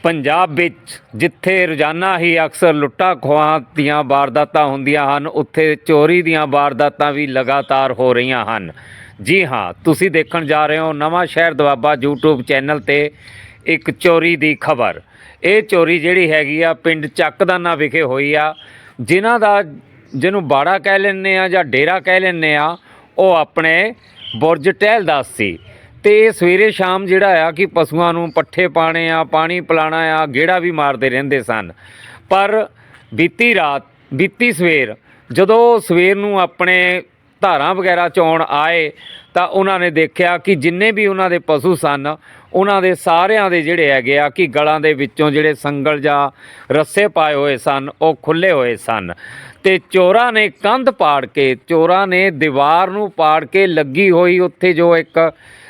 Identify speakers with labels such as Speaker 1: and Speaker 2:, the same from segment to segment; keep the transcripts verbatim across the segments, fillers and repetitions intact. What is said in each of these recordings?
Speaker 1: ਪੰਜਾਬ ਵਿੱਚ ਜਿੱਥੇ ਰੋਜ਼ਾਨਾ ਹੀ ਅਕਸਰ ਲੁੱਟਾਂ ਖੋਹਾਂ ਦੀਆਂ ਵਾਰਦਾਤਾਂ ਹੁੰਦੀਆਂ ਹਨ, ਉੱਥੇ ਚੋਰੀ ਦੀਆਂ ਵਾਰਦਾਤਾਂ ਵੀ ਲਗਾਤਾਰ ਹੋ ਰਹੀਆਂ ਹਨ। ਜੀ ਹਾਂ, ਤੁਸੀਂ ਦੇਖਣ ਜਾ ਰਹੇ ਹੋ ਨਵਾਂ ਸ਼ਹਿਰ ਦੁਆਬਾ ਯੂਟਿਊਬ ਚੈਨਲ 'ਤੇ ਇੱਕ ਚੋਰੀ ਦੀ ਖਬਰ। ਇਹ ਚੋਰੀ ਜਿਹੜੀ ਹੈਗੀ ਆ ਪਿੰਡ ਚੱਕਦਾਨਾ ਵਿਖੇ ਹੋਈ ਆ। ਜਿਨ੍ਹਾਂ ਦਾ ਜਿਹਨੂੰ ਬਾੜਾ ਕਹਿ ਲੈਂਦੇ ਆ ਜਾਂ ਡੇਰਾ ਕਹਿ ਲੈਂਦੇ ਆ, ਉਹ ਆਪਣੇ ਬੁਰਜ ਟਹਿਲਦਾਸ ਸੀ। ਅਤੇ ਸਵੇਰੇ ਸ਼ਾਮ ਜਿਹੜਾ ਆ ਕਿ ਪਸ਼ੂਆਂ ਨੂੰ ਪੱਠੇ ਪਾਉਣੇ ਆ, ਪਾਣੀ ਪਿਲਾਉਣਾ ਆ, ਗੇੜਾ ਵੀ ਮਾਰਦੇ ਰਹਿੰਦੇ ਸਨ। ਪਰ ਬੀਤੀ ਰਾਤ ਬੀਤੀ ਸਵੇਰ ਜਦੋਂ ਸਵੇਰ ਨੂੰ ਆਪਣੇ ਧਾਰਾਂ ਵਗੈਰਾ ਚੋਣ ਆਏ ਤਾਂ ਉਹਨਾਂ ਨੇ ਦੇਖਿਆ ਕਿ ਜਿੰਨੇ ਵੀ ਉਹਨਾਂ ਦੇ ਪਸ਼ੂ ਸਨ, ਉਹਨਾਂ ਦੇ ਸਾਰਿਆਂ ਦੇ ਜਿਹੜੇ ਹੈਗੇ ਆ ਕਿ ਗਲਾਂ ਦੇ ਵਿੱਚੋਂ ਜਿਹੜੇ ਸੰਗਲ ਜਾਂ ਰੱਸੇ ਪਾਏ ਹੋਏ ਸਨ, ਉਹ ਖੁੱਲ੍ਹੇ ਹੋਏ ਸਨ। ਅਤੇ ਚੋਰਾਂ ਨੇ ਕੰਧ ਪਾੜ ਕੇ, ਚੋਰਾਂ ਨੇ ਦੀਵਾਰ ਨੂੰ ਪਾੜ ਕੇ ਲੱਗੀ ਹੋਈ ਉੱਥੇ ਜੋ ਇੱਕ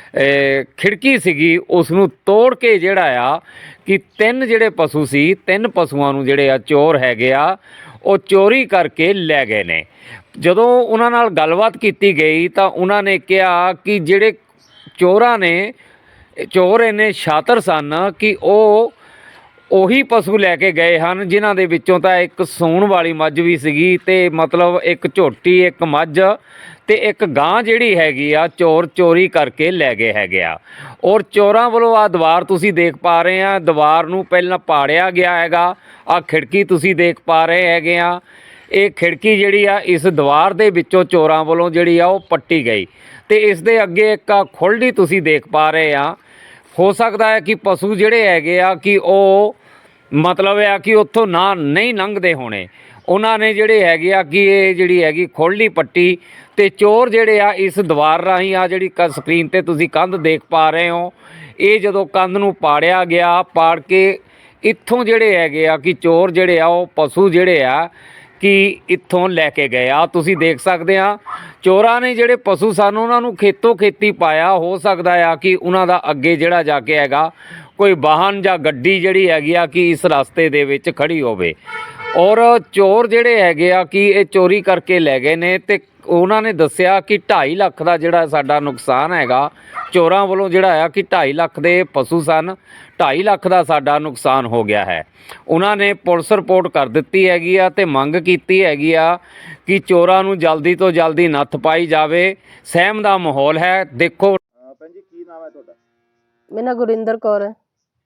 Speaker 1: ਖਿੜਕੀ ਸੀਗੀ, ਉਸ ਨੂੰ ਤੋੜ ਕੇ ਜਿਹੜਾ ਆ ਕਿ ਤਿੰਨ ਜਿਹੜੇ ਪਸ਼ੂ ਸੀ, ਤਿੰਨ ਪਸ਼ੂਆਂ ਨੂੰ ਜਿਹੜੇ ਆ ਚੋਰ ਹੈਗੇ ਆ ਉਹ ਚੋਰੀ ਕਰਕੇ ਲੈ ਗਏ ਨੇ। ਜਦੋਂ ਉਹਨਾਂ ਨਾਲ ਗੱਲਬਾਤ ਕੀਤੀ ਗਈ ਤਾਂ ਉਹਨਾਂ ਨੇ ਕਿਹਾ ਕਿ ਜਿਹੜੇ ਚੋਰਾਂ ਨੇ, ਚੋਰ ਇੰਨੇ ਸ਼ਾਤਰ ਸਨ ਕਿ ਉਹ ਉਹੀ ਪਸ਼ੂ ਲੈ ਕੇ ਗਏ ਹਨ ਜਿਨ੍ਹਾਂ ਦੇ ਵਿੱਚੋਂ ਤਾਂ ਇੱਕ ਸੂਣ ਵਾਲੀ ਮੱਝ ਵੀ ਸੀਗੀ, ਅਤੇ ਮਤਲਬ ਇੱਕ ਝੋਟੀ, ਇੱਕ ਮੱਝ ਅਤੇ ਇੱਕ ਗਾਂ ਜਿਹੜੀ ਹੈਗੀ ਆ ਚੋਰ ਚੋਰੀ ਕਰਕੇ ਲੈ ਗਏ ਹੈਗੇ ਆ। ਔਰ ਚੋਰਾਂ ਵੱਲੋਂ ਆਹ ਦੀਵਾਰ ਤੁਸੀਂ ਦੇਖ ਪਾ ਰਹੇ ਆ, ਦੀਵਾਰ ਨੂੰ ਪਹਿਲਾਂ ਪਾੜਿਆ ਗਿਆ ਹੈਗਾ। ਆਹ ਖਿੜਕੀ ਤੁਸੀਂ ਦੇਖ ਪਾ ਰਹੇ ਹੈਗੇ ਆ, ਇਹ ਖਿੜਕੀ ਜਿਹੜੀ ਆ ਇਸ ਦੀਵਾਰ ਦੇ ਵਿੱਚੋਂ ਚੋਰਾਂ ਵੱਲੋਂ ਜਿਹੜੀ ਆ ਉਹ ਪੱਟੀ ਗਈ। ਅਤੇ ਇਸ ਦੇ ਅੱਗੇ ਇੱਕ ਆ ਖੁੱਲ੍ਹਦੀ ਤੁਸੀਂ ਦੇਖ ਪਾ ਰਹੇ ਆ। ਹੋ ਸਕਦਾ ਹੈ ਕਿ ਪਸ਼ੂ ਜਿਹੜੇ ਹੈਗੇ ਆ ਕਿ ਉਹ ਮਤਲਬ ਆ ਕਿ ਉੱਥੋਂ ਨਾ ਨਹੀਂ ਲੰਘਦੇ ਹੋਣੇ। ਉਹਨਾਂ ਨੇ ਜਿਹੜੇ ਹੈਗੇ ਆ ਕਿ ਇਹ ਜਿਹੜੀ ਹੈਗੀ ਖੁੱਲ੍ਹਦੀ ਪੱਟੀ, ਅਤੇ ਚੋਰ ਜਿਹੜੇ ਆ ਇਸ ਦੀਵਾਰ ਰਾਹੀਂ ਆ ਜਿਹੜੀ ਕ ਸਕਰੀਨ 'ਤੇ ਤੁਸੀਂ ਕੰਧ ਦੇਖ ਪਾ ਰਹੇ ਹੋ, ਇਹ ਜਦੋਂ ਕੰਧ ਨੂੰ ਪਾੜਿਆ ਗਿਆ, ਪਾੜ ਕੇ ਇੱਥੋਂ ਜਿਹੜੇ ਹੈਗੇ ਆ ਕਿ ਚੋਰ ਜਿਹੜੇ ਆ ਉਹ ਪਸ਼ੂ ਜਿਹੜੇ ਆ ਕਿ ਇੱਥੋਂ ਲੈ ਕੇ ਗਏ ਆ। ਤੁਸੀਂ ਦੇਖ ਸਕਦੇ ਆ ਚੋਰਾਂ ਨੇ ਜਿਹੜੇ ਪਸ਼ੂ ਸਨ ਉਹਨਾਂ ਨੂੰ ਖੇਤੋਂ ਖੇਤੀ ਪਾਇਆ। ਹੋ ਸਕਦਾ ਆ ਕਿ ਉਹਨਾਂ ਦਾ ਅੱਗੇ ਜਿਹੜਾ ਜਾ ਕੇ ਹੈਗਾ ਕੋਈ ਵਾਹਨ ਜਾਂ ਗੱਡੀ ਜਿਹੜੀ ਹੈਗੀ ਆ ਕਿ ਇਸ ਰਸਤੇ ਦੇ ਵਿੱਚ ਖੜੀ ਹੋਵੇ। ਔਰ ਚੋਰ ਜਿਹੜੇ ਹੈਗੇ ਆ ਕਿ ਇਹ ਚੋਰੀ ਕਰਕੇ ਲੈ ਗਏ ਨੇ, ਅਤੇ ਉਹਨਾਂ ਨੇ ਦੱਸਿਆ ਕਿ ਢਾਈ ਲੱਖ ਦਾ ਜਿਹੜਾ ਸਾਡਾ ਨੁਕਸਾਨ ਹੈਗਾ, ਚੋਰਾਂ ਵੱਲੋਂ ਜਿਹੜਾ ਆ ਕਿ ਢਾਈ ਲੱਖ ਦੇ ਪਸ਼ੂ ਸਨ, ਢਾਈ ਲੱਖ ਦਾ ਸਾਡਾ ਨੁਕਸਾਨ ਹੋ ਗਿਆ ਹੈ। ਉਹਨਾਂ ਨੇ ਪੁਲਿਸ ਰਿਪੋਰਟ ਕਰ ਦਿੱਤੀ ਹੈਗੀ ਆ ਅਤੇ ਮੰਗ ਕੀਤੀ ਹੈਗੀ ਆ ਕਿ ਚੋਰਾਂ ਨੂੰ ਜਲਦੀ ਤੋਂ ਜਲਦੀ ਨੱਥ ਪਾਈ ਜਾਵੇ। ਸਹਿਮ ਦਾ ਮਾਹੌਲ ਹੈ। ਦੇਖੋ
Speaker 2: ਭੈਣ ਜੀ, ਕੀ ਨਾਮ ਹੈ ਤੁਹਾਡਾ?
Speaker 3: ਮੇਰਾ ਨਾਂ ਗੁਰਿੰਦਰ ਕੌਰ ਹੈ।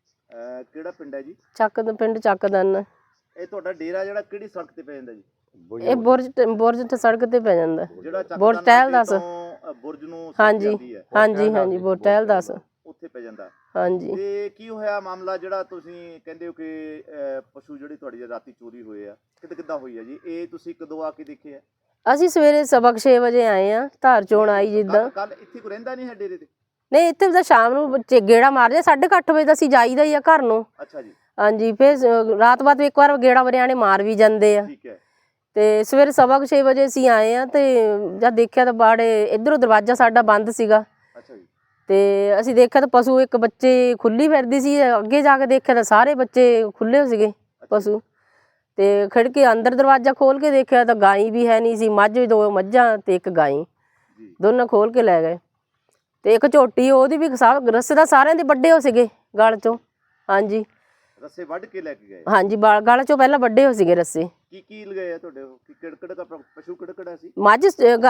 Speaker 2: ਕਿਹੜਾ ਪਿੰਡ ਹੈ ਜੀ?
Speaker 3: ਚੱਕ ਪਿੰਡ ਚੱਕਦਾਨਾ।
Speaker 2: ਇਹ ਤੁਹਾਡਾ ਡੇਰਾ ਜਿਹੜਾ ਕਿਹੜੀ ਸੜਕ ਤੇ ਪੈ ਜਾਂਦਾ ਜੀ?
Speaker 3: ਇਹ ਬੁਰਜ ਬੁਰਜ ਤੇ ਸੜਕ ਤੇ ਪੈ ਜਾਂਦਾ।
Speaker 2: ਜਿਹੜਾ
Speaker 3: ਬੁਰਜ ਟਹਿਲਦਾਸ
Speaker 2: ਬੁਰਜ ਨੂੰ
Speaker 3: ਹਾਂਜੀ ਹਾਂਜੀ ਹਾਂਜੀ ਬੁਰਜ ਟਹਿਲਦਾਸ
Speaker 2: ਉੱਥੇ ਪੈ ਜਾਂਦਾ।
Speaker 3: ਹਾਂਜੀ।
Speaker 2: ਤੇ ਕੀ ਹੋਇਆ ਮਾਮਲਾ ਜਿਹੜਾ ਤੁਸੀਂ ਕਹਿੰਦੇ ਹੋ ਕਿ ਪਸ਼ੂ ਜਿਹੜੀ ਤੁਹਾਡੀ ਰਾਤੀ ਚੋਰੀ ਹੋਏ ਆ, ਕਿੱਦਾਂ ਕਿੱਦਾਂ ਹੋਈ ਆ ਜੀ? ਇਹ ਤੁਸੀਂ ਕਦੋਂ ਆ ਕੇ ਦੇਖੇ ਆ?
Speaker 3: ਅਸੀਂ ਸਵੇਰੇ ਸਬਕ ਛੇ ਵਜੇ ਆਏ ਆ, ਧਾਰ ਚੋਣ ਆਈ ਜਿੱਦਾਂ।
Speaker 2: ਕੱਲ ਇੱਥੇ ਕੋਈ ਰਹਿੰਦਾ ਨਹੀਂ ਹੈ ਡੇਰੇ ਤੇ?
Speaker 3: ਨਹੀਂ, ਇੱਥੇ ਤਾਂ ਸ਼ਾਮ ਨੂੰ ਗੇੜਾ ਮਾਰਦੇ, ਸਾਢੇ ਕੁ ਅੱਠ ਵਜੇ ਤਾਂ ਅਸੀਂ ਜਾਈਦਾ ਹੀ ਆ ਘਰ ਨੂੰ।
Speaker 2: ਅੱਛਾ ਜੀ।
Speaker 3: ਹਾਂਜੀ, ਫਿਰ ਰਾਤ ਬਾਅਦ ਇੱਕ ਵਾਰ ਗੇੜਾ ਵਰਿਆਣੇ ਮਾਰ ਵੀ ਜਾਂਦੇ ਆ।
Speaker 2: ਠੀਕ ਹੈ।
Speaker 3: ਤੇ ਸਵੇਰੇ ਸਵਾ ਕੁ ਛੇ ਵਜੇ ਅਸੀਂ ਆਏ ਆ, ਤੇ ਜਦ ਦੇਖਿਆ ਤਾਂ ਬਾੜੇ ਇੱਧਰੋਂ ਦਰਵਾਜ਼ਾ ਸਾਡਾ ਬੰਦ ਸੀਗਾ।
Speaker 2: ਅੱਛਾ ਜੀ।
Speaker 3: ਤੇ ਅਸੀਂ ਦੇਖਿਆ ਤਾਂ ਪਸ਼ੂ ਇੱਕ ਬੱਚੇ ਖੁੱਲੀ ਫਿਰਦੀ ਸੀ, ਅੱਗੇ ਜਾ ਕੇ ਦੇਖਿਆ ਤਾਂ ਸਾਰੇ ਬੱਚੇ ਖੁੱਲੇ ਸੀਗੇ ਪਸ਼ੂ। ਤੇ ਖਿੜਕੀ ਅੰਦਰ ਦਰਵਾਜ਼ਾ ਖੋਲ ਕੇ ਦੇਖਿਆ ਤਾਂ ਗਾਈ ਵੀ ਹੈ ਨਹੀਂ ਸੀ, ਮੱਝ ਵੀ, ਦੋ ਮੱਝਾਂ ਤੇ ਇੱਕ ਗਾਈ, ਦੋਨੋਂ ਖੋਲ ਕੇ ਲੈ ਗਏ। ਤੇ ਇੱਕ ਝੋਟੀ, ਉਹਦੀ ਵੀ ਰੱਸੇ ਦਾ ਸਾਰਿਆਂ ਦੇ ਵੱਡੇ ਹੋ ਸੀਗੇ ਗਲ ਚੋਂ। ਹਾਂਜੀ,
Speaker 2: ਰੱਸੇ ਵੱਢ ਕੇ ਲੈ ਕੇ ਗਏ?
Speaker 3: ਹਾਂਜੀ, ਗਲ ਚੋਂ ਪਹਿਲਾਂ ਵੱਡੇ ਹੋ ਸੀਗੇ ਰੱਸੇ।
Speaker 2: ਕੀ ਕੀ ਲਗਾਏ ਆ ਤੁਹਾਡੇ? ਕਿਹੜਾ ਕਿਹੜਾ ਪਸ਼ੂ ਕਿਹੜਾ ਕਿਹੜਾ ਸੀ?
Speaker 3: ਮੱਝ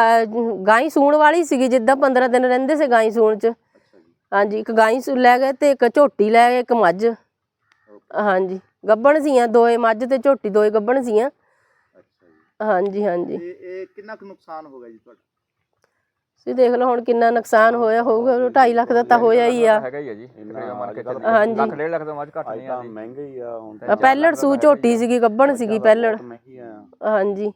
Speaker 3: ਗਾਈ ਸੂਣ ਵਾਲੀ ਸੀਗੀ, ਜਿੱਦਾਂ ਪੰਦਰਾਂ ਦਿਨ ਰਹਿੰਦੇ ਸੀ ਗਾਈ ਸੂਣ ਚ। ਹਾਂਜੀ, ਇੱਕ ਗਾਈ ਸੂ ਲੈ ਗਏ ਤੇ ਇੱਕ ਝੋਟੀ ਲੈ ਗਏ, ਇੱਕ ਮੱਝ। ਹਾਂਜੀ, ਗੱਭਣ ਸੀਆਂ ਦੋਏ, ਮੱਝ ਤੇ ਝੋਟੀ ਦੋਏ ਗੱਭਣ ਸੀਆਂ। ਹਾਂਜੀ ਹਾਂਜੀ।
Speaker 2: ਇਹ ਕਿੰਨਾ ਕੁ ਨੁਕਸਾਨ ਹੋ ਗਿਆ ਜੀ ਤੁਹਾਡਾ?
Speaker 3: ਤੁਸੀਂ ਦੇਖ ਲਓ ਹੁਣ ਕਿੰਨਾ ਨੁਕਸਾਨ ਹੋਇਆ ਹੋਊਗਾ। ਢਾਈ ਲੱਖ ਦਾ ਤਾਂ ਹੋਇਆ ਹੀ ਆ। ਹਾਂਜੀ, ਪਹਿਲੜ ਸੂ ਝੋਟੀ ਸੀਗੀ, ਗੱਭਣ ਸੀਗੀ ਪਹਿਲੜ। ਹਾਂਜੀ।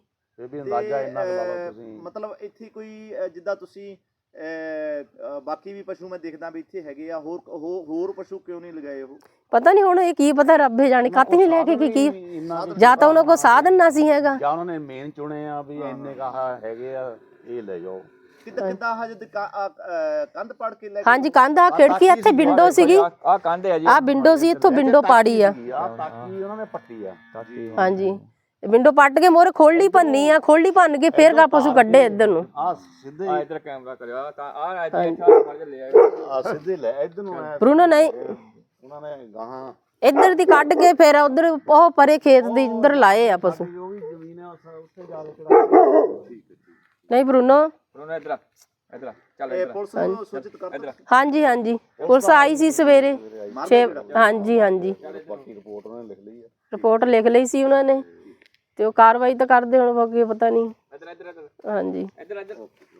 Speaker 2: ਮਤਲਬ ਇੱਥੇ ਕੋਈ ਜਿੱਦਾਂ ਤੁਸੀਂ ਬਾਕੀ ਵੀ ਪਸ਼ੂ ਮੈਂ ਦੇਖਦਾ ਵੀ ਇੱਥੇ ਹੈਗੇ ਆ, ਹੋਰ ਹੋਰ ਪਸ਼ੂ ਕਿਉਂ ਨਹੀਂ ਲਗਾਏ? ਉਹ ਪਤਾ
Speaker 3: ਨਹੀਂ ਹੁਣ, ਇਹ ਕੀ ਪਤਾ, ਰੱਬੇ ਜਾਣੇ ਕਾਹਤੇ ਨਹੀਂ ਲੈ ਕੇ ਕੀ ਕੀ ਜਾਂ ਤਾਂ ਉਹਨਾਂ ਕੋਲ ਸਾਧਨ ਨਾ ਸੀ ਹੈਗਾ,
Speaker 4: ਜਾਂ ਉਹਨਾਂ ਨੇ ਮੇਨ ਚੁਣੇ ਆ ਵੀ ਇੰਨੇ ਕਹਾ ਹੈਗੇ ਆ, ਇਹ ਲੈ ਜਾਓ।
Speaker 2: ਕਿੱਦਾਂ ਕਿੱਦਾਂ ਹਜੇ ਕੰਧ ਪਾੜ ਕੇ ਲੈ?
Speaker 3: ਹਾਂਜੀ, ਕੰਧ ਆ ਖਿੜਕੀ, ਇੱਥੇ ਵਿੰਡੋ ਸੀਗੀ,
Speaker 4: ਆ ਕੰਧ ਹੈ ਜੀ,
Speaker 3: ਆ ਵਿੰਡੋ ਸੀ, ਇੱਥੋਂ ਵਿੰਡੋ ਪਾੜੀ ਆ।
Speaker 4: ਤਾਕੀ ਉਹਨਾਂ ਨੇ ਪੱਟੀ ਆ।
Speaker 3: ਹਾਂਜੀ, ਵਿੰਡੋ ਪੱਟ ਕੇ ਮੋਰੇ ਖੋਲ੍ਹੀ ਭੰਨੀ ਆ, ਖੋਲ੍ਹੀ ਭੰਨ ਕੇ ਫੇਰ ਗਾ ਪਸ਼ੂ ਕੱਢੇ ਇੱਧਰ ਨੂੰ।
Speaker 4: ਆ ਸਿੱਧੇ ਆ ਇਧਰ ਕੈਮਰਾ ਕਰਿਆ ਤਾਂ ਆ ਇੱਥੇ ਫੜ ਕੇ ਲੈ ਆਏ, ਆ ਸਿੱਧੇ ਲੈ ਇੱਧਰ ਨੂੰ ਆਇਆ।
Speaker 3: ਪਰੂਨਾ ਨਹੀਂ,
Speaker 4: ਉਹਨਾਂ ਨੇ ਗਾਹਾਂ
Speaker 3: ਇੱਧਰ ਦੀ ਕੱਢ ਕੇ ਫਿਰ ਉਧਰ ਉਹ ਪਰੇ ਖੇਤ ਦੀ ਇੱਧਰ ਲਾਏ ਆ ਪਸ਼ੂ।
Speaker 4: ਜੋ ਵੀ ਜ਼ਮੀਨ ਹੈ ਉੱਥੇ ਜਾ ਕੇ ਚੜਾ
Speaker 3: ਨਹੀਂ ਬਰੂਨੋ
Speaker 5: ਉਹਨਾਂ ਇਧਰ ਇਧਰ ਚੱਲ
Speaker 2: ਇਹ
Speaker 5: ਇਧਰ
Speaker 2: ਪੁਲਿਸ ਨੂੰ ਸੂਚਿਤ ਕਰ
Speaker 3: ਹਾਂਜੀ ਹਾਂਜੀ ਪੁਲਿਸ ਆਈ ਸੀ ਸਵੇਰੇ ਛੇ ਹਾਂਜੀ ਹਾਂਜੀ
Speaker 4: ਰਿਪੋਰਟ ਉਹਨੇ ਲਿਖ ਲਈ ਹੈ।
Speaker 3: ਰਿਪੋਰਟ ਲਿਖ ਲਈ ਸੀ ਉਹਨਾਂ ਨੇ ਤੇ ਉਹ ਕਾਰਵਾਈ ਤਾਂ ਕਰਦੇ ਹੁਣ ਬਾਕੀ ਪਤਾ ਨਹੀਂ।
Speaker 5: ਇਧਰ ਇਧਰ ਇਧਰ
Speaker 3: ਹਾਂਜੀ
Speaker 5: ਇਧਰ ਇਧਰ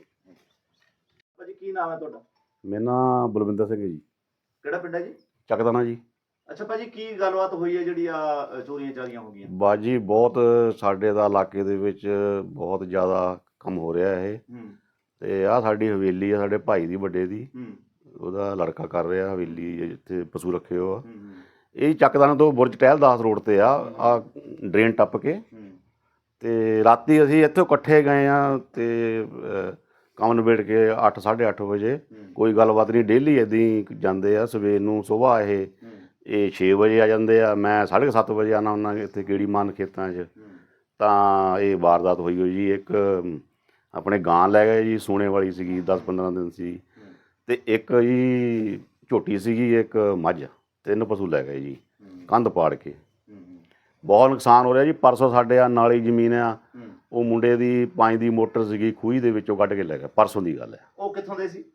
Speaker 2: ਭਾਜੀ ਕੀ ਨਾਮ ਹੈ ਤੁਹਾਡਾ?
Speaker 6: ਮੇਰਾ ਨਾਮ ਬਲਵਿੰਦਰ ਸਿੰਘ ਹੈ ਜੀ,
Speaker 2: ਕਿਹੜਾ ਪਿੰਡ ਹੈ ਜੀ?
Speaker 6: ਚੱਕਦਾਣਾ ਜੀ।
Speaker 2: ਅੱਛਾ ਭਾਜੀ ਕੀ ਗੱਲਬਾਤ ਹੋਈ ਹੈ ਜਿਹੜੀ ਆ ਚੋਰੀਆਂ ਚਾਰੀਆਂ ਹੋ ਗਈਆਂ?
Speaker 6: ਬਾਜੀ ਬਹੁਤ ਸਾਡੇ ਦਾ ਇਲਾਕੇ ਦੇ ਵਿੱਚ ਬਹੁਤ ਜ਼ਿਆਦਾ ਕੰਮ ਹੋ ਰਿਹਾ ਇਹ,
Speaker 2: ਹੂੰ
Speaker 6: ਤੇ ਆਹ ਸਾਡੀ ਹਵੇਲੀ ਆ ਸਾਡੇ ਭਾਈ ਦੀ ਵੱਡੇ ਦੀ,
Speaker 2: ਹੂੰ
Speaker 6: ਉਹਦਾ ਲੜਕਾ ਕਰ ਰਿਹਾ ਹਵੇਲੀ ਜਿੱਥੇ ਪਸ਼ੂ ਰੱਖੇ ਹੋ ਆ।
Speaker 2: ਹੂੰ
Speaker 6: ਇਹ ਚੱਕਦਾਣਾ ਤੋਂ ਬੁਰਜ ਟਹਿਲਦਾਸ ਰੋਡ ਤੇ ਆ, ਆ ਡਰੇਨ ਟੱਪ ਕੇ,
Speaker 2: ਹੂੰ
Speaker 6: ਤੇ ਰਾਤੀ ਅਸੀਂ ਇੱਥੋਂ ਇਕੱਠੇ ਗਏ ਆ ਤੇ ਅਹ, ਕੰਮ ਨਿਬੇੜ ਕੇ ਅੱਠ ਸਾਢੇ ਅੱਠ ਵਜੇ। ਕੋਈ ਗੱਲਬਾਤ ਨਹੀਂ, ਡੇਲੀ ਇੱਦਾਂ ਹੀ ਜਾਂਦੇ ਆ। ਸਵੇਰ ਨੂੰ ਸੁਬਾਹ ਇਹ ਇਹ ਛੇ ਵਜੇ ਆ ਜਾਂਦੇ ਆ, ਮੈਂ ਸਾਢੇ ਕੁ ਸੱਤ ਵਜੇ ਆਉਣਾ ਹੁੰਦਾ ਇੱਥੇ ਕੀੜੀ ਮਾਰਨ ਖੇਤਾਂ 'ਚ। ਤਾਂ ਇਹ ਵਾਰਦਾਤ ਹੋਈ ਹੋਈ ਜੀ। ਇੱਕ ਆਪਣੇ ਗਾਂ ਲੈ ਗਏ ਜੀ, ਸੂਣੇ ਵਾਲੀ ਸੀਗੀ, ਦਸ ਪੰਦਰਾਂ ਦਿਨ ਸੀ, ਤੇ ਇੱਕ ਜੀ ਝੋਟੀ ਸੀਗੀ, ਇੱਕ ਮੱਝ, ਤਿੰਨ ਪਸ਼ੂ ਲੈ ਗਏ ਜੀ ਕੰਧ ਪਾੜ ਕੇ। ਬਹੁਤ ਨੁਕਸਾਨ ਹੋ ਰਿਹਾ ਜੀ। ਪਰਸੋਂ ਸਾਡੇ ਆ ਨਾਲੀ ਜ਼ਮੀਨ ਆ, ਉਹ ਮੁੰਡੇ ਦੀ ਪੰਜ ਦੀ ਮੋਟਰ ਸੀਗੀ, ਖੂਹੀ ਦੇ ਵਿੱਚੋਂ ਕੱਢ ਕੇ ਲੈ ਗਿਆ। ਪਰਸੋਂ ਦੀ ਗੱਲ ਹੈ।
Speaker 2: ਉਹ ਕਿੱਥੋਂ ਦੇ ਸੀ?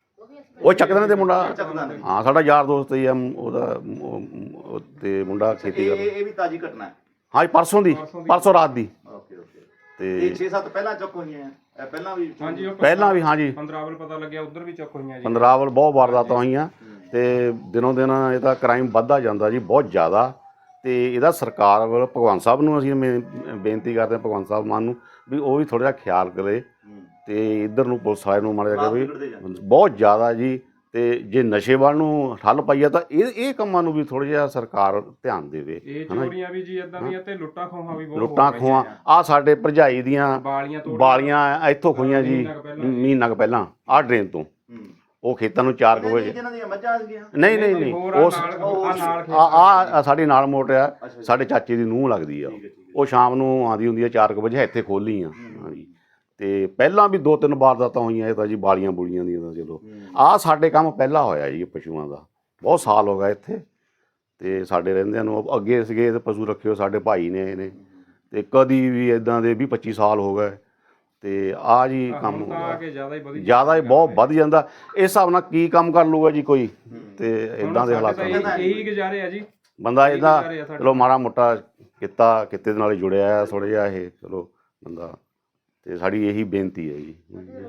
Speaker 6: ਉਹ ਚੱਕਦਾਣੇ ਦੇ ਮੁੰਡਾ,
Speaker 2: ਚੱਕਦਾਣੇ।
Speaker 6: ਹਾਂ ਸਾਡਾ ਯਾਰ ਦੋਸਤ ਹੀ ਆ ਉਹਦਾ, ਉਹ- ਉਹ ਤੇ ਮੁੰਡਾ ਖੇਤੀ
Speaker 2: ਇਹ
Speaker 6: ਕਰਦਾ।
Speaker 2: ਇਹ ਇਹ ਵੀ ਤਾਜ਼ੀ ਘਟਨਾ ਹੈ?
Speaker 6: ਹਾਂ ਜੀ ਪਰਸੋਂ ਦੀ, ਪਰਸੋਂ ਰਾਤ ਦੀ।
Speaker 2: Okay okay.
Speaker 6: ਤੇ
Speaker 2: ਇਹ ਛੇ ਸੱਤ ਪਹਿਲਾਂ ਚੁੱਕ ਹੋਈਆਂ ਇਹ ਪਹਿਲਾਂ ਵੀ?
Speaker 7: ਹਾਂਜੀ ਉਹ
Speaker 6: ਪਹਿਲਾਂ ਵੀ ਹਾਂ ਜੀ
Speaker 7: ਪੰਦਰਾਵਲ ਪਤਾ ਲੱਗਿਆ ਉਧਰ ਵੀ ਚੁੱਕ ਹੋਈਆਂ ਜੀ।
Speaker 6: ਪੰਦਰਾਵਲ ਬਹੁਤ ਵਾਰਦਾਤਾਂ ਹੋਈਆਂ, ਤੇ ਦਿਨੋਂ ਦਿਨ ਇਹਦਾ ਕ੍ਰਾਈਮ ਵੱਧਦਾ ਜਾਂਦਾ ਜੀ, ਬਹੁਤ ਜ਼ਿਆਦਾ। ਤੇ ਇਹਦਾ ਸਰਕਾਰ ਵੱਲ ਭਗਵੰਤ ਸਾਹਿਬ ਨੂੰ ਅਸੀਂ ਬੇ- ਬੇਨਤੀ ਕਰਦੇ ਹਾਂ, ਭਗਵੰਤ ਸਾਹਿਬ ਮਾਨ ਨੂੰ, ਵੀ ਉਹ ਵੀ ਥੋੜ੍ਹਾ ਜਿਹਾ ਖਿਆਲ ਕਰੇ ਤੇ ਇੱਧਰ ਨੂੰ ਪੁਲਿਸ ਵਾਲੇ ਨੂੰ ਮਾੜਾ ਜਿਹਾ ਵੀ ਬਹੁਤ ਜ਼ਿਆਦਾ ਜੀ। ਤੇ ਜੇ ਨਸ਼ੇ ਵੱਲ ਨੂੰ ਠੱਲ ਪਾਈਆ ਤਾਂ ਇਹ ਇਹ ਕੰਮਾਂ ਨੂੰ ਵੀ ਥੋੜ੍ਹਾ ਜਿਹਾ ਸਰਕਾਰ ਧਿਆਨ ਦੇਵੇ।
Speaker 7: ਇਹ ਚੋਰੀਆਂ ਵੀ ਜੀ ਇਦਾਂ ਦੀਆਂ ਤੇ ਲੁੱਟਾਂ ਖੋਹਾਂ ਵੀ ਬਹੁਤ ਹੋ
Speaker 6: ਲੁੱਟਾਂ
Speaker 7: ਰਹੀਆਂ
Speaker 6: ਖੋਹਾਂ ਆ ਸਾਡੇ ਭਰਜਾਈ ਦੀਆਂ
Speaker 7: ਬਾਲੀਆਂ ਤੋੜ
Speaker 6: ਬਾਲੀਆਂ ਇੱਥੋਂ ਖੋਈਆਂ ਜੀ
Speaker 7: ਮਹੀਨਾ ਕੁ ਪਹਿਲਾਂ।
Speaker 6: ਮਹੀਨਾ ਕੁ ਪਹਿਲਾਂ ਆਹ ਡਰੇਨ ਤੋਂ। ਉਹ ਖੇਤਾਂ ਨੂੰ ਚਾਰ ਕੁ ਵਜੇ,
Speaker 2: ਜਿਹਨਾਂ ਦੀਆਂ ਮੱਝਾਂ ਸੀਗੀਆਂ?
Speaker 6: ਨਹੀਂ ਨਹੀਂ ਨਹੀਂ,
Speaker 7: ਹੋਰ ਆ
Speaker 6: ਉਸ
Speaker 7: ਨਾਲ ਆ ਨਾਲ ਖੇਤ
Speaker 6: ਆ ਆ ਸਾਡੀ ਨਾਲ ਮੋਟਰ ਆ, ਸਾਡੇ ਚਾਚੇ ਦੀ ਨੂੰਹ ਲੱਗਦੀ ਆ। ਉਹ ਸ਼ਾਮ ਨੂੰ ਆਉਂਦੀ ਹੁੰਦੀ ਆ ਚਾਰ ਕੁ ਵਜੇ, ਇੱਥੇ ਖੋਲੀ ਆ। ਹਾਂਜੀ, ਤੇ ਪਹਿਲਾਂ ਵੀ ਦੋ ਤਿੰਨ ਵਾਰਦਾਤਾਂ ਹੋਈਆਂ ਇਹ ਤਾਂ ਜੀ, ਬਾਲੀਆਂ ਬੁਲੀਆਂ ਦੀਆਂ ਤਾਂ ਚਲੋ। ਆਹ ਸਾਡੇ ਕੰਮ ਪਹਿਲਾਂ ਹੋਇਆ ਜੀ ਪਸ਼ੂਆਂ ਦਾ, ਬਹੁਤ ਸਾਲ ਹੋ ਗਏ ਇੱਥੇ, ਤੇ ਸਾਡੇ ਰਹਿੰਦਿਆਂ ਨੂੰ। ਅੱਗੇ ਸੀਗੇ ਤੇ ਪਸ਼ੂ ਰੱਖੇ ਹੋ ਸਾਡੇ ਭਾਈ ਨੇ ਇਹਨੇ, ਤੇ ਕਦੀ ਵੀ ਇਦਾਂ ਦੇ ਵੀਹ ਪੱਚੀ ਸਾਲ ਹੋ ਗਏ। ਤੇ ਆ ਜੀ ਕੰਮ
Speaker 7: ਹੁਣ ਤਾਂ ਆ ਕੇ ਜ਼ਿਆਦਾ ਹੀ ਵਧੀ
Speaker 6: ਜ਼ਿਆਦਾ ਹੀ ਬਹੁਤ ਵੱਧ ਜਾਂਦਾ। ਇਸ ਹਿਸਾਬ ਨਾਲ ਕੀ ਕੰਮ ਕਰ ਲੂਗਾ ਜੀ ਕੋਈ, ਤੇ ਇਦਾਂ ਦੇ ਹਾਲਾਤਾਂ
Speaker 7: ਇਹੀ
Speaker 6: ਨਾਲ
Speaker 7: ਇਹੀ ਗੁਜ਼ਾਰੇ ਆ ਜੀ।
Speaker 6: ਬੰਦਾ ਇਹਦਾ ਚਲੋ ਮਾੜਾ ਮੋਟਾ ਕਿੱਤਾ ਕਿੱਤੇ ਦੇ ਨਾਲ ਜੁੜਿਆ ਆ ਥੋੜ੍ਹਾ ਜਿਹਾ ਇਹ, ਚਲੋ ਬੰਦਾ। ਤੇ ਸਾਡੀ ਇਹੀ ਬੇਨਤੀ ਹੈ ਜੀ।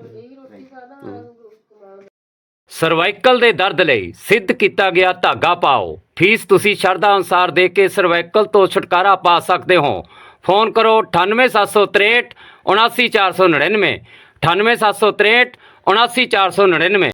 Speaker 1: ਸਰਵਾਈਕਲ ਦੇ ਦਰਦ ਲਈ ਸਿੱਧ ਕੀਤਾ ਗਿਆ ਧਾਗਾ ਪਾਓ। ਫੀਸ ਤੁਸੀਂ ਸ਼ਰਧਾ ਅਨੁਸਾਰ ਦੇ ਕੇ ਸਰਵਾਈਕਲ ਤੋਂ ਛੁਟਕਾਰਾ ਪਾ ਸਕਦੇ ਹੋ। ਫੋਨ ਕਰੋ ਅਠਾਨਵੇਂ ਸੱਤ ਸੌ ਤ੍ਰੇਹਠ ਉਨਾਸੀ ਚਾਰ ਸੌ ਨੜਿਨਵੇਂ, ਅਠਾਨਵੇਂ ਸੱਤ ਸੌ ਤ੍ਰੇਹਠ ਉਨਾਸੀ ਚਾਰ ਸੌ ਨੜਿਨਵੇਂ।